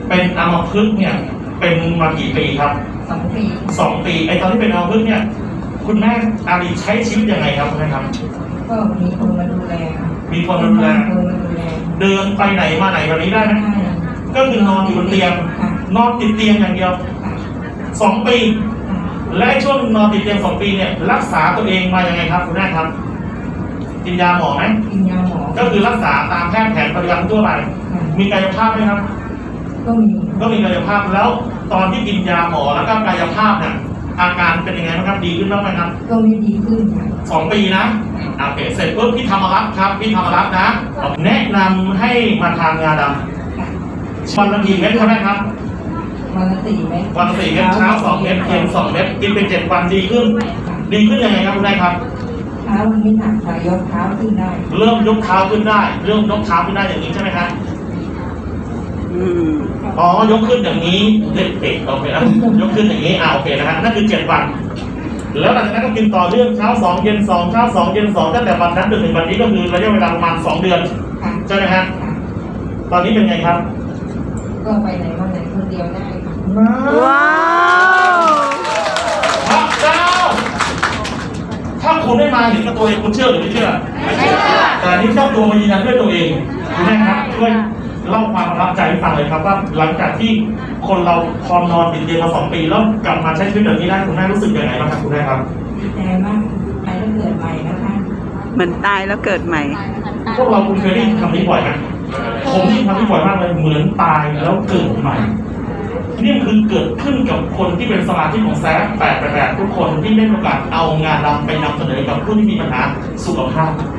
เป็นอัมพฤกษ์เนี่ยเป็นมากี่ปีครับ2 ปีไอตอนที่เป็นอัมพฤกษ์เนี่ยคุณแม่อารีใช้ชีวิตยังไงครับคุณแม่ครับก็มีคนมาดูแลมีคนมาดูแลเดินไปไหนมาไหนแบบนี้ได้ไหมก็คือนอนอยู่บนเตียงนอนติดเตียงอย่างเดียว2 ปีและช่วงนอนติดเตียง2 ปีเนี่ยรักษาตัวเองมายังไงครับคุณแม่ครับกินยาหมอไหมกินยาหมอก็คือรักษาตามแพทย์แผนปัจจุบันทั่วไปมีกายภาพไหมครับก็มีกายภาพแล้วตอนที่กินยาหมอแล้วก็กายภาพเนี่ยอาการเป็นยังไงบ้างครับดีขึ้นบ้างไหมครับก็ไม่ดีขึ้นค่ะ 2 ปีนะโอเคเสร็จปุ๊บพี่ธรรมรัตน์ครับพี่ธรรมรัตน์นะแนะนำให้มาทานงาดำวันละกี่เม็ดครับแม่ครับวันละ4 เม็ดวันละ4 เม็ดเช้า2 เม็ดเย็น2 เม็ดกินเป็น7 วันดีขึ้นยังไงครับคุณแม่ครับเท้าไม่หนักค่ะยกเท้าขึ้นได้เริ่มยกเท้าขึ้นได้เริ่มยกเท้าขึ้นได้อย่างนี้ใช่ไหมครับอ๋อยกขึ้นอย่างนี้เด็กๆโอเคนะยกขึ้นอย่างนี้โอเคนะฮะนั่นคือ7 วันแล้วหลังจากนั้นก็กินต่อเนื่องเช้า2 เย็น2เช้า2 เย็น2ตั้งแต่วันนั้นจนถึงวันนี้ก็คือระยะเวลาประมาณ2 เดือนใช่ไหมฮะตอนนี้เป็นไงครับก็ไปไหนมาไหนคนเดียวได้ว้าวพระเจ้าถ้าคุณได้มาเห็นกับตัวเองคุณเชื่อหรือไม่เชื่อแต่นี่เจ้าตัวมายืนยันด้วยตัวเองคุณแม่ครับช่วยเล่าความประทับใจให้ฟังเลยครับว่าหลังจากที่คนเราพอนอนติดเตียงมา2 ปีแล้วกลับมาใช้ชีวิตแบบนี้ได้คุณแม่รู้สึกยังไงบ้างครับคุณแม่ครับดีใจมากตายแล้วเกิดใหม่นะคะเหมือนตายแล้วเกิดใหม่พวกเราคุณเคยได้ยินคำนี้บ่อยไหมผมได้ยินคำนี้บ่อยมากเลยเหมือนตายแล้วเกิดใหม่นี่คือเกิดขึ้นกับคนที่เป็นสมาชิกของแซฟ888ทุกคนที่ได้มีโอกาสเอางานเราไปนำเสนอกับผู้ที่มีปัญหาสุขภาพ